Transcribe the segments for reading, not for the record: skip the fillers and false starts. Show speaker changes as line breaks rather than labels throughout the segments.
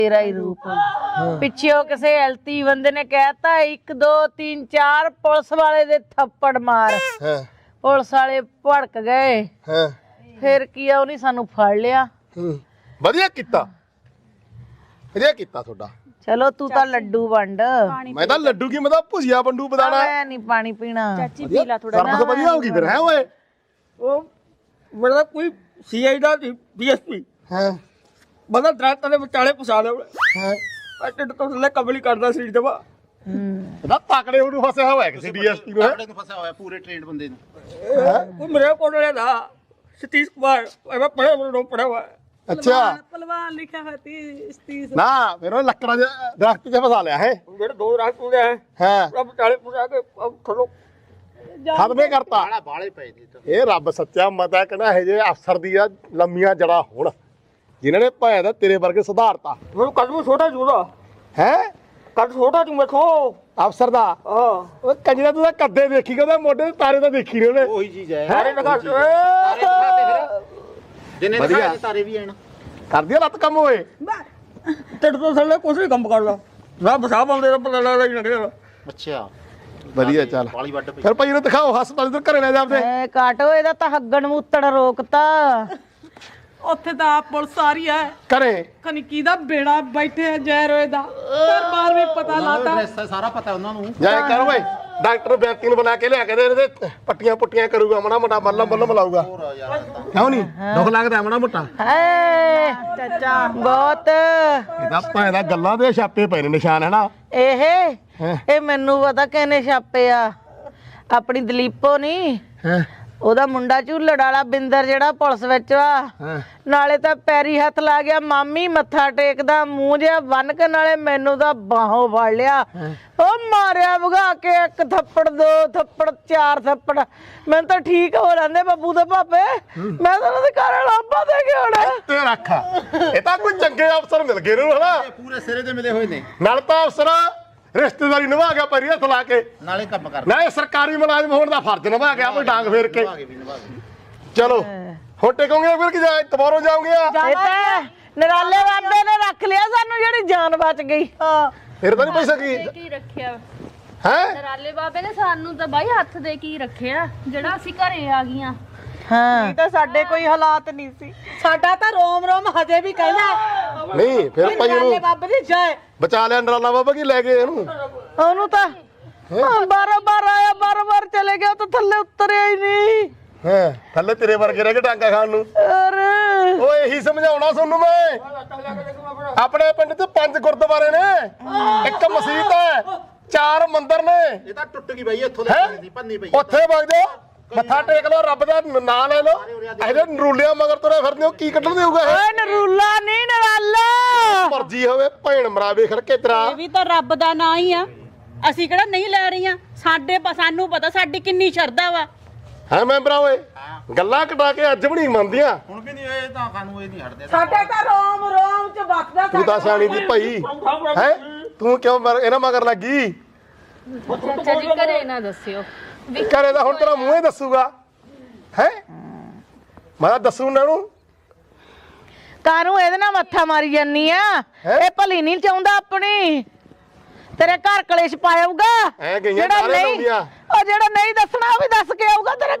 तेरा ही रूप पिछे किसी एलती बंदे ने कहता 1 2 3 4 पुलिस वाले दे थप्पड़ मार पुलिस वाले भड़क गए फिर किया उन्हें सानू फड़ लिया
ਵਧੀਆ ਕੀਤਾ ਤੁਹਾਡਾ
चलो तू तो लड्डू वंड
मैं तो लड्डू की मतलब भुजिया बंडू बताना
मैं नहीं पानी पीना
ਚਾਚੀ ਪੀ ਲਾ ਥੋੜਾ
सर्विस बढ़िया होगी फिर है ओए
ਉਹ ਮੇਰਾ ਕੋਈ ਸੀਆਈ ਦਾ ਡੀਐਸਪੀ
हैं
ਬੰਦਾ ਦਰਖਤਾਂ ਦੇ ਵਿਚਾਲੇ ਫਸਾ ਲਿਆ
हैं
ਢਿੱਡ ਤੋਂ ਥੱਲੇ ਕਬਲੀ ਕਰਦਾ ਸਰੀਰ ਜਮਾ
ना ताकड़े ਉਹਨੂੰ ਫਸਿਆ ਹੋਇਆ ਕਿਸੇ ਡੀਐਸਪੀ ਨੂੰ
ਨੂੰ ਫਸਿਆ ਹੋਇਆ ਪੂਰੇ ਟ੍ਰੇਨਡ ਬੰਦੇ ਨੂੰ
ਉਹ ਮੇਰੇ ਕੋਲ ਦਾ ਸਤੀਸ਼ ਕੁਮਾਰ ਮੈਂ ਪੜਿਆ ਮੈਨੂੰ ਪੜਿਆ ਹੋਇਆ
अच्छा
ਪਹਿਲਵਾਨ ਲਿਖਿਆ ਹੋਇਆ ਤੀ ਸਤੀਸ਼
ना फिर वो लकड़ा दरख्त से फसा लिया है
ਮੇਰੇ ਦੋ ਰਾਤ ਹੁੰਦੇ ਆ
हैं
ਰੱਬ ਵਿਚਾਲੇ ਫਸਾ ਕੇ ਥੱਲੋਂ
ਖਤਮੇ ਕਰਤਾ
ਬਾਲੇ ਪਏ ਦੀ
ਇਹ ਰੱਬ ਸੱਚਾ ਮਤਾ ਕਹਿੰਦਾ ਇਹ ਜੇ ਅਫਸਰ ਦੀਆਂ ਲੰਮੀਆਂ ਜੜਾ ਹੋਣ ਜਿਨ੍ਹਾਂ ਨੇ ਭਾਇਆ ਦਾ ਤੇਰੇ ਵਰਗੇ ਸੁਧਾਰਤਾ
ਮੈਨੂੰ ਕਦਮ ਛੋਟਾ ਜੂਦਾ
ਹੈ
ਕੱਦ ਛੋਟਾ ਤੂੰ ਵੇਖੋ
ਅਫਸਰ ਦਾ
ਹਾਂ
ਉਹ ਕੰਜਰਾ ਤੂੰ ਤਾਂ ਕੱਦੇ ਦੇਖੀ ਉਹਦੇ ਮੋਢੇ ਤੇ ਤਾਰੇ ਤਾਂ ਦੇਖੀ ਨੇ ਉਹਨੇ
ਉਹੀ ਚੀਜ਼ ਹੈ
ਸਾਰੇ ਲਗਾ
ਤਾਰੇ ਦਿਖਾਤੇ ਫਿਰ ਜਿੰਨੇ
ਵਧੀਆ।
ਦਿਖਾਏ ਤਾਰੇ ਵੀ ਆਣ
ਕਰਦੀ ਆ ਲੱਤ ਕੰਮ ਹੋਏ
ਢਿੱਡ ਤੋਂ ਥੱਲੇ ਕੁਛ ਵੀ ਕੰਮ ਕਰਦਾ ਰੱਬ ਸਾਹ ਪਾਉਂਦੇ ਤਾਂ ਪਤਾ ਲੱਗਦਾ ਹੀ ਲੱਗਦਾ
ਅੱਛਾ
ਵਧੀਆ ਚੱਲ
ਬਾਲੀ ਵੱਡ ਪਈ
ਫਿਰ ਭਾਈ ਨੂੰ ਦਿਖਾਓ ਹਸਪਤਾਲ ਤੋਂ ਘਰੇ ਲੈ ਜਾਂਦੇ
ए काटो ਇਹਦਾ ਤਾਂ ਹੱਗਣ ਮੂਤੜ ਰੋਕਤਾ
ਉੱਥੇ ਤਾਂ ਆਪ ਪੁਲਿਸ ਆ ਰਹੀ ਹੈ
ਘਰੇ
ਕਨਕੀ ਦਾ ਬੇੜਾ ਬੈਠੇ ਆ ਜੈ ਰੋਏ ਦਾ ਦਰਬਾਰ ਵੀ ਪਤਾ ਲਾਤਾ
ਐਸਾ ਸਾਰਾ ਪਤਾ ਉਹਨਾਂ ਨੂੰ
ਜਾਏ ਕਰ ਓਏ ਡਾਕਟਰ ਬੈਂਤੀ ਨੂੰ ਬੁਲਾ ਕੇ ਲਿਆ ਕੇ ਦੇ ਇਹਦੇ ਪੱਟੀਆਂ ਪੁੱਟੀਆਂ ਕਰੂਗਾ ਮਣਾ ਮੋਟਾ ਮੱਲਮ ਲਾਊਗਾ ਕਿਉਂ ਨਹੀਂ ਦੁੱਖ ਲੱਗਦਾ ਮਣਾ ਮੋਟਾ
ਹੈ ਚਾਚਾ ਬਹੁਤ
ਇਹਦਾ ਭਾਂ ਦਾ ਗੱਲਾਂ ਦੇ ਛਾਪੇ ਪਏ ਨੇ ਨਿਸ਼ਾਨ ਹੈ ਨਾ ਇਹ
ਮੈਨੂੰ ਪਤਾ ਕਿਹਨੇ ਛਾਪੇ ਆ ਆਪਣੀ ਦਲੀਪੋ ਨਹੀਂ
ਹੈ
ਉਹਦਾ ਮੁੰਡਾ ਝੂਲੜ ਵਾਲਾ ਬਿੰਦਰ ਜਿਹੜਾ ਪੁਲਿਸ ਵਿੱਚ ਆ ਨਾਲੇ ਤਾਂ ਪੈਰੀ ਹੱਥ ਲਾ ਗਿਆ ਮਾਮੀ ਮੱਥਾ ਟੇਕਦਾ ਮੂੰਹ ਜਿਹਾ ਬੰਨ ਕੇ ਨਾਲੇ ਮੈਨੂੰ ਤਾਂ ਬਾਹੋਂ ਫੜ ਲਿਆ ਉਹ ਮਾਰਿਆ ਭਗਾ ਕੇ 1 ਥੱਪੜ 2 ਥੱਪੜ 4 ਥੱਪੜ ਮੈਨੂੰ ਤਾਂ ਠੀਕ ਹੋ ਲੈਂਦੇ ਬੱਬੂ ਦੇ ਭਾਪੇ ਮੈਂ ਤਾਂ ਉਹਨਾਂ ਦੇ ਘਰ ਲਾਂਬਾ ਦੇ ਕੇ ਆਉਣਾ
ਤੇ ਰੱਖ ਇਹ ਤਾਂ ਕੋਈ ਚੰਗੇ ਅਫਸਰ ਮਿਲ ਗਏ ਨੂੰ ਹਨਾ
ਪੂਰੇ ਸਿਰੇ ਤੇ ਮਿਲੇ ਹੋਏ ਨੇ
ਨਾਲ ਤਾਂ ਅਫਸਰ ਰਿਸ਼ਤੇਦਾਰੀ ਨਿਭਾ ਗਿਆ ਪੈਰੀ ਹੱਥ ਲਾ ਕੇ
ਨਾਲੇ ਕੰਮ ਕਰ
ਨਾ ਇਹ ਸਰਕਾਰੀ ਮੁਲਾਜ਼ਮ ਹੋਣ ਦਾ ਫਰਜ਼ ਨਿਭਾ ਗਿਆ ਕੋਈ ਡਾਂਗ ਫੇਰ ਕੇ ਚਲੋ ਹੁਣ ਟੇਕੋਗੇ ਫਿਰ ਕਿ ਦੁਬਾਰਾ ਜਾਓਗੇ
ਇਹ ਤਾਂ ਨਰਾਲੇ ਬਾਬੇ ਨੇ ਰੱਖ ਲਿਆ ਸਾਨੂੰ ਜਿਹੜੀ ਜਾਨ ਬਚ ਗਈ
ਫਿਰ ਤਾਂ ਨਹੀਂ ਪੈਸਾ ਕੀ
ਕੀ ਰੱਖਿਆ
ਹੈ
ਨਰਾਲੇ ਬਾਬੇ ਨੇ ਸਾਨੂੰ ਤਾਂ ਬਾਈ ਹੱਥ ਦੇ ਕੀ ਰੱਖਿਆ ਜਿਹੜਾ ਅਸੀਂ ਘਰੇ ਆ ਗਈਆਂ
ਹਾਂ
ਤਾਂ ਸਾਡੇ ਕੋਈ ਹਾਲਾਤ ਨਹੀਂ ਸੀ ਸਾਡਾ ਤਾਂ ਰੋਮ ਰੋਮ ਹਜੇ ਵੀ ਕਹਿੰਦਾ
ਨਹੀਂ ਫਿਰ ਭਾਈ
ਨਾਲੇ
ਉਹਨੂੰ
ਬਾਬੇ ਦੀ ਜੈ
ਬਚਾ ਲਿਆ ਨਰਾਲਾ ਬਾਬਾ ਕੀ ਲੈ ਗਏ ਇਹਨੂੰ
ਉਹਨੂੰ ਤਾਂ ਬਾਰ ਆਇਆ ਬਾਰ ਚਲੇ ਗਿਆ ਤਾਂ ਥੱਲੇ ਉਤਰਿਆ ਹੀ ਨਹੀਂ
ਹੈ ਥੱਲੇ ਤੇਰੇ ਵਰਗੇ ਰਹਿ ਕੇ ਡਾਂਗਾ ਖਾਣ ਨੂੰ
ਅਰੇ
ਓਏ ਇਹੀ ਸਮਝਾਉਣਾ ਤੁਹਾਨੂੰ ਮੈਂ ਆਪਣੇ ਪਿੰਡ 'ਚ 5 ਗੁਰਦੁਆਰੇ ਨੇ 1 ਮਸਜਿਦ ਹੈ 4 ਮੰਦਿਰ ਨੇ
ਇਹ ਤਾਂ ਟੁੱਟ ਗਈ ਬਾਈ ਇੱਥੋਂ
ਹੈਂ?
ਲੈ ਭੰਨੀ ਪਈ
ਉੱਥੇ ਵਗ ਜਾਓ ਮੱਥਾ ਟੇਕ ਲਓ ਰੱਬ ਦਾ ਨਾਂ ਲੈ ਲਓ ਇਹਦੇ ਨਰੂਲਿਆਂ ਮਗਰ ਤੁਰੇ ਫਿਰਦੇ ਹੋ ਕੀ ਕੱਢਣ ਦੇਊਗਾ ਇਹ
ਓਏ ਨਰੂਲਾ ਨਹੀਂ ਨਰਾਲਾ
ਮਰਜੀ ਹੋਵੇ ਭੈਣ ਮਰਾਵੇ ਖੜਕੇ ਤੇਰਾ
ਇਹ ਵੀ ਤਾਂ ਰੱਬ ਦਾ ਨਾਂ ਹੀ ਆ ਅਸੀਂ ਕਿਹੜਾ ਨਹੀਂ ਲੈ ਰਹੀਆਂ ਸਾਨੂੰ ਪਤਾ ਸਾਡੀ ਕਿੰਨੀ ਸ਼ਰਧਾ ਵਾ
ਹੈ ਮੈਂਬਰਾ ਓਏ ਗੱਲਾਂ ਕਟਾ ਕੇ ਅੱਜ ਵੀ ਨਹੀਂ ਮੰਨਦੀਆਂ
ਹੁਣ ਵੀ ਨਹੀਂ ਇਹ ਤਾਂ ਖਾਨੂੰ ਇਹ ਨਹੀਂ ਹਟਦੇ
ਸਾਡੇ ਤਾਂ ਰੋਮ ਰੋਮ ਚ ਵਕਦਾ
ਤੂੰ ਤਾਂ ਸਿਆਣੀ ਦੀ ਭਾਈ ਹੈ ਤੂੰ ਕਿਉਂ ਇਹਨਾਂ ਮਗਰ ਲੱਗੀ
ਚਾਚਾ ਜੀ ਘਰੇ ਨਾ ਦੱਸਿਓ
ਘਰੇ ਦਾ ਹੁਣ ਤੇਰਾ ਮੂੰਹ ਹੀ ਦੱਸੂਗਾ ਹੈ ਮੈਂ ਤਾਂ ਦੱਸੂ ਉਹਨਾਂ ਨੂੰ
ਕਾਨੂੰ ਇਹਦੇ ਨਾਲ ਮੱਥਾ ਮਾਰੀ ਜਾਨੀ ਆ ਇਹ ਭਲੀ ਨਹੀਂ ਚਾਹੁੰਦਾ ਆਪਣੀ ਤੇਰੇ ਘਰ ਕਲੇਸ਼ ਪਾਇਆਊਗਾ
ਐ ਗਈਆਂ ਸਾਰੇ ਲਾਉਂਦੀਆਂ
ਉਹ ਜਿਹੜਾ ਨਹੀਂ ਦੱਸਣਾ ਉਹ ਵੀ ਦੱਸ ਕੇ ਆਊਗਾ ਤੇਰੇ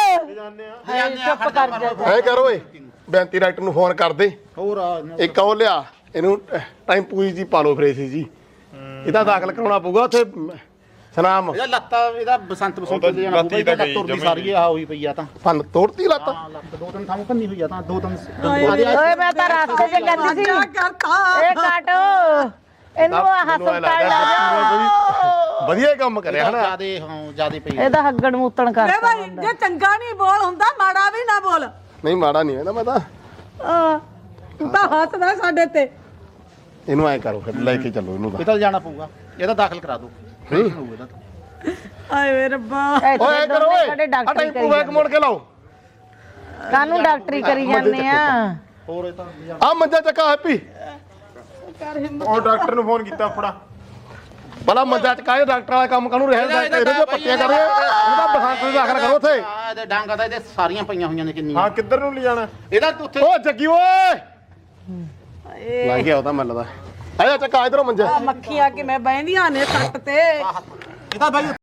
ਘਰ ਚੁੱਪ ਕਰ ਜਾ
ਐ ਕਰ ਓਏ ਬੈਂਤੀ ਡਾਕਟਰ ਨੂੰ ਫੋਨ ਕਰ ਦੇ
ਹੋਰ
ਇੱਕ ਉਹ ਲਿਆ ਇਹਨੂੰ ਟਾਈਮ ਪੂਰੀ ਜੀ ਪਾ ਲਓ ਫਰੇਸੀ ਜੀ ਇਹਦਾ ਦਾਖਲ ਕਰਾਉਣਾ ਪਊਗਾ ਉੱਥੇ ਸਨਾਮ
ਇਹਦਾ ਲੱਤਾਂ ਇਹਦਾ ਬਸੰਤ ਦੇ ਜਾਣਾ ਪਊਗਾ ਇਹਦਾ ਲੱਤ ਤੁਰਦੀ ਸਾਰੀ ਆ ਹੋਈ ਪਈ ਆ ਤਾਂ
ਫਨ ਤੋੜਤੀ ਲੱਤ
ਹਾਂ ਲੱਤ 2-3 ਥਾਂ ਭੰਨੀ ਹੋਈ ਆ ਤਾਂ 2-3
ਓਏ ਮੈਂ ਤਾਂ ਰਸਤੇ 'ਚ ਕਹਿੰਦੀ ਸੀ ਇਹ ਕਾਟੋ ਇਹਨੂੰ ਹਸਪਤਾਲ ਲੈ ਜਾ
ਵਧੀਆ ਕੰਮ ਕਰਿਆ ਹਨਾ
ਜਿਆਦੇ ਪਈ
ਇਹਦਾ ਹੱਗਣ ਮੂਤਣ ਕਰ
ਭਾਈ ਜੇ ਚੰਗਾ ਨਹੀਂ ਬੋਲ ਹੁੰਦਾ ਮਾੜਾ ਵੀ ਨਾ ਬੋਲ
ਨਹੀਂ ਮਾੜਾ ਨਹੀਂ ਹੈ ਨਾ ਮੈਂ ਤਾਂ
ਤੂੰ ਤਾਂ ਹੱਸਦਾ ਸਾਡੇ ਤੇ
ਇਹਨੂੰ ਐ ਕਰੋ ਫਿਰ ਲੈ ਕੇ ਚੱਲੋ ਇਹਨੂੰ
ਇਹ ਤਾਂ ਜਾਣਾ ਪਊਗਾ ਇਹਦਾ ਦਾਖਲ ਕਰਾ ਦਿਓ
ਆਏ ਵੇ ਰੱਬਾ
ਓਏ ਕਰੋ ਓਏ
ਸਾਡੇ ਡਾਕਟਰੀ
ਟਾਈਮ ਪੂ ਬੈਕ ਮੋੜ ਕੇ ਲਾਓ
ਕਾਨੂੰ ਡਾਕਟਰੀ ਕਰੀ ਜਾਂਦੇ ਆ
ਹੋਰ ਇਹ ਤਾਂ
ਆ ਮੰਜਾ ਚੱਕਾ ਹੈਪੀ
ਉਹ ਡਾਕਟਰ ਨੂੰ ਫੋਨ ਕੀਤਾ ਫੜਾ
ਭਲਾ ਮੰਜਾ ਚੱਕਾ ਡਾਕਟਰ ਵਾਲਾ ਕੰਮ ਕਾਹਨੂੰ ਰਹਿ ਇਹਦੇ ਤੇ ਪੱਟੀਆਂ ਕਰ ਇਹਦਾ ਬਸੰਤ ਨੂੰ ਦਾਖਲ ਕਰੋ ਉੱਥੇ
ਇਹਦੇ ਡਾਂਗਾ ਤਾਂ ਇਹਦੇ ਸਾਰੀਆਂ ਪਈਆਂ ਹੋਈਆਂ ਨੇ ਕਿੰਨੀਆਂ
ਹਾਂ ਕਿੱਧਰ ਨੂੰ ਲਿਜਾਣਾ
ਇਹਦਾ ਉੱਥੇ
ਓ ਜੱਗੀ ਓਏ ਲੱਗ ਗਿਆ ਉਹਦਾ ਮੱਲਦਾ ਆਇਆ ਚੱਕਾ ਇਧਰੋਂ ਮੰਜੇ
ਮੱਖੀਆਂ ਕਿਵੇਂ ਬਹਿੰਦੀਆਂ ਨੇ ਸੱਟ ਤੇ
ਇਹ ਤਾਂ ਬਾਈ